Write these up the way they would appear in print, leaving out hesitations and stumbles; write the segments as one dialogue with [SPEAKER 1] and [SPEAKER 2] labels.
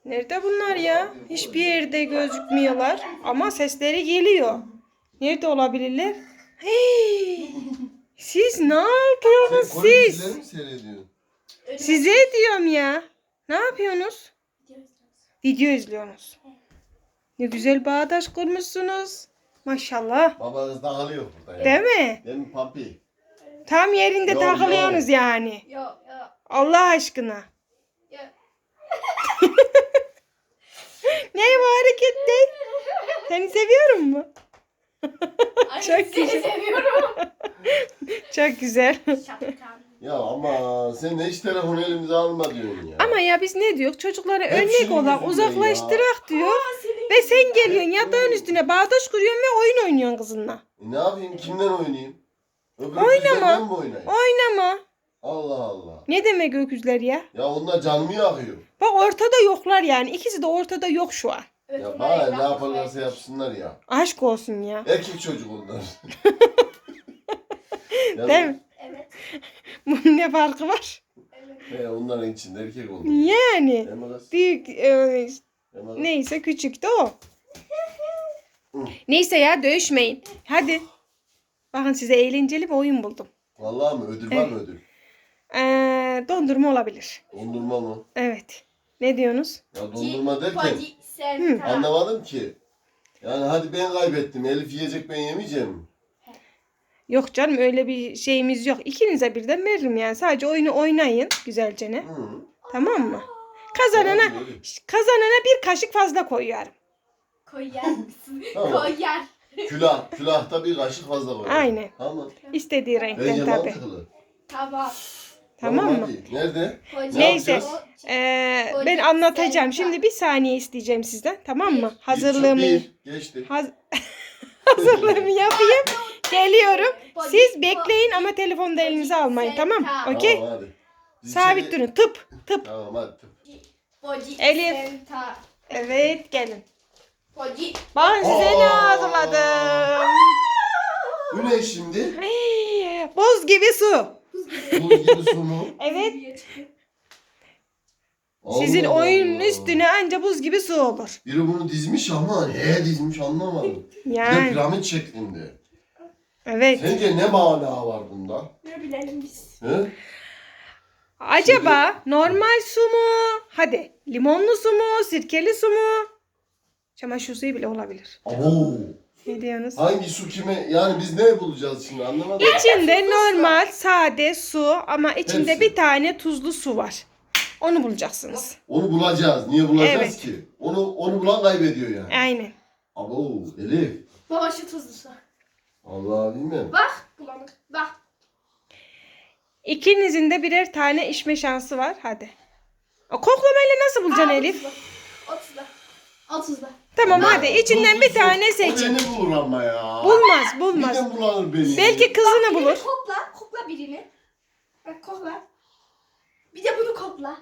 [SPEAKER 1] Nerede bunlar ya? Hiçbir yerde gözükmüyorlar. Ama sesleri geliyor. Nerede olabilirler? Hey! Siz ne yapıyorsunuz
[SPEAKER 2] Sen Kore dizileri
[SPEAKER 1] siz?
[SPEAKER 2] mi seyrediyorsun?
[SPEAKER 1] Size diyorum ya. Ne yapıyorsunuz? Video izliyorsunuz. Ne güzel bağdaş kurmuşsunuz. Maşallah.
[SPEAKER 2] Babanız dağılıyor burada ya.
[SPEAKER 1] Değil mi?
[SPEAKER 2] Değil mi Pampi?
[SPEAKER 1] Tam yerinde
[SPEAKER 2] Yo,
[SPEAKER 1] takılıyorsunuz
[SPEAKER 2] yo.
[SPEAKER 1] yani.
[SPEAKER 3] Yok.
[SPEAKER 1] Allah aşkına. Ne bu hareket ne? Seni seviyorum mu? Çok güzel.
[SPEAKER 3] seviyorum.
[SPEAKER 1] Çok güzel.
[SPEAKER 3] Şapkan.
[SPEAKER 2] Ya ama sen de hiç telefonu elimize alma diyorsun ya.
[SPEAKER 1] Ama ya biz ne diyor? Çocuklara
[SPEAKER 2] Hep
[SPEAKER 1] örnek
[SPEAKER 2] senin
[SPEAKER 1] olarak
[SPEAKER 2] yüzünden
[SPEAKER 1] uzaklaştırak diyor. Ve sen geliyorsun yatağın üstüne bağdaş kuruyorsun ve oyun oynuyorsun kızınla.
[SPEAKER 2] Ne yapayım? Kimden oynayayım? Öbür
[SPEAKER 1] Oynama.
[SPEAKER 2] kızlardan mı oynayayım?
[SPEAKER 1] Oynama.
[SPEAKER 2] Allah Allah.
[SPEAKER 1] Ne demek öküzler ya?
[SPEAKER 2] Ya onlar canımı yakıyor.
[SPEAKER 1] Bak ortada yoklar yani. İkisi de ortada yok şu an.
[SPEAKER 2] Ya bana ne yaparlarsa yapsınlar ya.
[SPEAKER 1] Aşk olsun ya.
[SPEAKER 2] Erkek çocuk onlar. Ya,
[SPEAKER 1] Değil mi?
[SPEAKER 3] Evet.
[SPEAKER 1] Bunun ne farkı var?
[SPEAKER 3] Evet.
[SPEAKER 2] onların içinde erkek onlar.
[SPEAKER 1] Yani.
[SPEAKER 2] Değil mi kız?
[SPEAKER 1] Büyük
[SPEAKER 2] Değil mi kız?
[SPEAKER 1] neyse küçük de o. Neyse ya dövüşmeyin. Hadi. Bakın size eğlenceli bir oyun buldum.
[SPEAKER 2] Vallahi mi? Ödül var mı ödül?
[SPEAKER 1] Dondurma olabilir.
[SPEAKER 2] Dondurma mı?
[SPEAKER 1] Evet. Ne diyorsunuz?
[SPEAKER 2] Ya dondurma derken
[SPEAKER 3] Podi sen.
[SPEAKER 2] anlamadım ki. Yani hadi ben kaybettim. Elif yiyecek, ben yemeyeceğim.
[SPEAKER 1] Yok canım öyle bir şeyimiz yok. İkinize birden veririm yani. Sadece oyunu oynayın güzelce ne?
[SPEAKER 2] Hı.
[SPEAKER 1] Tamam mı? Kazanana bir kaşık fazla koyuyorum.
[SPEAKER 3] Koyar mısın?
[SPEAKER 2] Tamam.
[SPEAKER 3] Koyar.
[SPEAKER 2] Külahta bir kaşık fazla koy.
[SPEAKER 1] Aynen.
[SPEAKER 2] Tamam.
[SPEAKER 1] İstediği renkten
[SPEAKER 2] Bence
[SPEAKER 1] tabii.
[SPEAKER 2] mantıklı.
[SPEAKER 3] Tamam.
[SPEAKER 1] Tamam mı?
[SPEAKER 2] Hadi. Nerede?
[SPEAKER 3] Podi.
[SPEAKER 1] Neyse.
[SPEAKER 2] yapacağız?
[SPEAKER 1] Ben anlatacağım. Şimdi bir saniye isteyeceğim sizden. Tamam mı? Hazırlığımı
[SPEAKER 2] Geçti.
[SPEAKER 1] hazırlığımı yapayım. Geliyorum. Siz bekleyin ama telefonu da elinize almayın. Tamam mı? Okey?
[SPEAKER 2] Tamam hadi. Biz
[SPEAKER 1] Sabit
[SPEAKER 2] içeri-
[SPEAKER 1] durun. Tıp. Tıp.
[SPEAKER 2] Tamam hadi.
[SPEAKER 3] Podi.
[SPEAKER 1] Elif.
[SPEAKER 3] Senta.
[SPEAKER 1] Evet gelin.
[SPEAKER 3] Podi.
[SPEAKER 1] Ben size ne hazırladım?
[SPEAKER 2] Bu ne şimdi?
[SPEAKER 1] Hey, buz gibi su.
[SPEAKER 2] Buz gibi su mu?
[SPEAKER 1] Evet. Sizin
[SPEAKER 2] Allah
[SPEAKER 1] oyunun
[SPEAKER 2] Allah.
[SPEAKER 1] üstüne anca buz gibi su olur.
[SPEAKER 2] Biri bunu dizmiş ama neye dizmiş anlamadım. Bir de
[SPEAKER 1] Yani.
[SPEAKER 2] piramit şeklinde.
[SPEAKER 1] Evet.
[SPEAKER 2] Sence ne mana var bunda?
[SPEAKER 3] Ne bilelim biz.
[SPEAKER 2] He?
[SPEAKER 1] Acaba normal su mu? Hadi. Limonlu su mu? Sirkeli su mu? Çamaşır suyu bile olabilir.
[SPEAKER 2] Abo.
[SPEAKER 1] Ne diyorsunuz?
[SPEAKER 2] Hangi su kime? Yani biz ne bulacağız şimdi anlamadım.
[SPEAKER 1] İçinde normal sade su ama içinde
[SPEAKER 2] Hepsi.
[SPEAKER 1] bir tane tuzlu su var. Onu bulacaksınız.
[SPEAKER 2] Onu bulacağız. Niye bulacağız
[SPEAKER 1] Evet.
[SPEAKER 2] ki? Onu bulan kaybediyor yani.
[SPEAKER 1] Aynen.
[SPEAKER 2] Abo Elif.
[SPEAKER 3] Baba şu tuzlusu.
[SPEAKER 2] Allah bilmem.
[SPEAKER 3] Bak bulanık. Bak.
[SPEAKER 1] İkinizin de birer tane içme şansı var. Hadi. O koklamayla nasıl bulacaksın Elif?
[SPEAKER 3] 30'da. 30'da.
[SPEAKER 1] Tamam
[SPEAKER 2] Ama
[SPEAKER 1] hadi içinden bir tane
[SPEAKER 2] O
[SPEAKER 1] seçin.
[SPEAKER 2] beni bulur ama ya.
[SPEAKER 1] Bulmaz bulmaz.
[SPEAKER 2] Birden bulanır beni.
[SPEAKER 1] Belki kızını bulur.
[SPEAKER 3] Birini kokla. Kokla birini. Bak kokla. Bir de bunu kokla.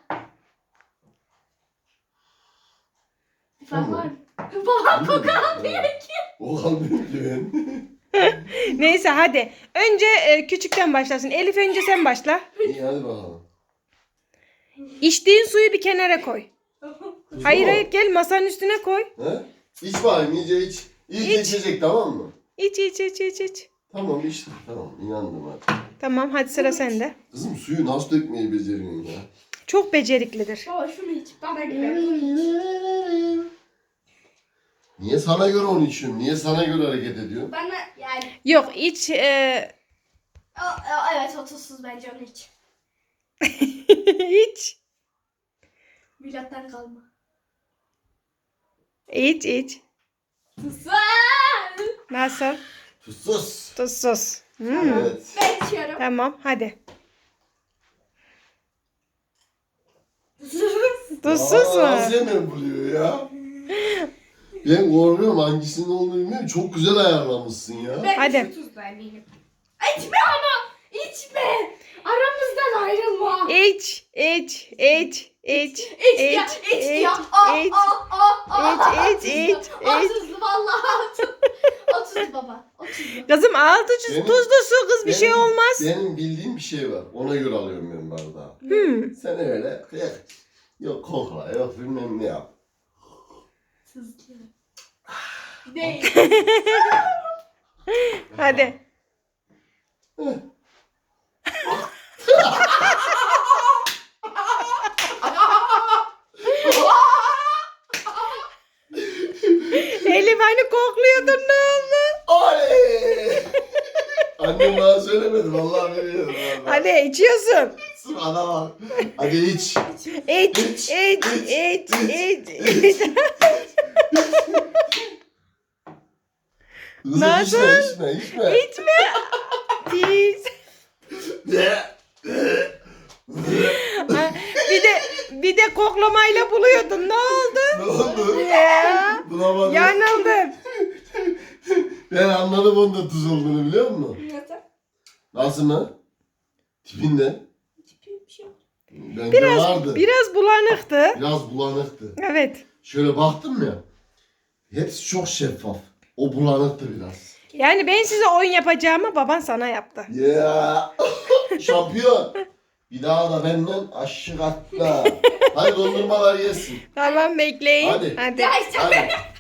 [SPEAKER 2] Tamam.
[SPEAKER 3] Var mı? Babam kokamıyor ki.
[SPEAKER 2] O kalmıyor ki ben.
[SPEAKER 1] Neyse hadi. Önce küçükten başlasın. Elif önce sen başla.
[SPEAKER 2] İyi hadi bakalım.
[SPEAKER 1] İçtiğin suyu bir kenara koy. Hayır
[SPEAKER 2] Su mu?
[SPEAKER 1] hayır gel masanın üstüne koy.
[SPEAKER 2] He? İç bakayım iyice iç. İyice
[SPEAKER 1] İç.
[SPEAKER 2] içecek tamam mı?
[SPEAKER 1] İç iç iç iç iç.
[SPEAKER 2] Tamam içtim. Tamam inandım hadi.
[SPEAKER 1] Tamam hadi sıra sende.
[SPEAKER 2] Kızım suyu nasıl dökmeyi beceriyorsun ya?
[SPEAKER 1] Çok beceriklidir.
[SPEAKER 3] Baba şunu iç. Bana güven.
[SPEAKER 2] Niye sana göre onu içiyorsun? Niye sana göre hareket ediyorsun?
[SPEAKER 3] Bana yani.
[SPEAKER 1] Yok iç.
[SPEAKER 3] Evet 30'suz bence onu iç.
[SPEAKER 1] İç.
[SPEAKER 3] Milattan kalma.
[SPEAKER 1] İç iç.
[SPEAKER 3] Güzel.
[SPEAKER 1] Nasıl?
[SPEAKER 2] Tuzsuz.
[SPEAKER 1] Tuzsuz. Hmm.
[SPEAKER 2] Evet.
[SPEAKER 3] Ben içiyorum.
[SPEAKER 1] Tamam hadi.
[SPEAKER 2] Aa,
[SPEAKER 1] Tuzsuz mu?
[SPEAKER 2] nasıl hemen buluyor ya? Ben korkuyorum hangisinin olduğunu bilmiyorum. Çok güzel ayarlamışsın ya.
[SPEAKER 3] Ben
[SPEAKER 1] Hadi.
[SPEAKER 3] şu tuzlu eminim. İçme ama. İçme. Aramızdan ayrılma.
[SPEAKER 1] İç iç iç iç
[SPEAKER 3] İç ya. İç ya.
[SPEAKER 1] iç. İç, iç,
[SPEAKER 3] 30'lu vallahi 30'lu baba. 30'lu.
[SPEAKER 1] Kızım altı
[SPEAKER 2] Benim-
[SPEAKER 1] tuzlu su kız bir şey
[SPEAKER 2] Benim-
[SPEAKER 1] olmaz.
[SPEAKER 2] Benim bildiğim bir şey var. Ona göre alıyorum ben bardağı.
[SPEAKER 1] Hmm.
[SPEAKER 2] Sen öyle yok kokla yok bilmem ne yap.
[SPEAKER 3] Tuzlu. Değil.
[SPEAKER 1] Hadi. Elif hani kokluyordun, ne oldu?
[SPEAKER 2] Oley! Annem bana söylemedi. Vallahi biliyorum.
[SPEAKER 1] Hadi içiyorsun.
[SPEAKER 2] Ana bak. Hadi iç.
[SPEAKER 1] İç, iç, iç, iç.
[SPEAKER 2] Kızım
[SPEAKER 1] Nasıl?
[SPEAKER 2] içme.
[SPEAKER 1] İçme. Pis. Bir de koklamayla buluyordun. Ne oldu?
[SPEAKER 2] Ne oldu?
[SPEAKER 1] Ya.
[SPEAKER 2] Bulamadım.
[SPEAKER 1] Yanıldın.
[SPEAKER 2] Ben anladım onda tuz olduğunu, biliyor musun?
[SPEAKER 3] Nasıl?
[SPEAKER 2] Nasıl mı? Tipinde.
[SPEAKER 3] Hiçbir şey yok.
[SPEAKER 2] Bence vardı.
[SPEAKER 1] Biraz bulanıktı.
[SPEAKER 2] Biraz bulanıktı.
[SPEAKER 1] Evet.
[SPEAKER 2] Şöyle baktım ya. Hepsi çok şeffaf. O bulanıktı biraz.
[SPEAKER 1] Yani ben size oyun yapacağımı baban sana yaptı.
[SPEAKER 2] Ya. Şampiyon. Bir daha da benden aşık atla. Hadi dondurmalar yesin.
[SPEAKER 1] Tamam bekleyin.
[SPEAKER 2] Hadi.
[SPEAKER 1] Hadi.
[SPEAKER 3] Ya işte
[SPEAKER 2] Hadi.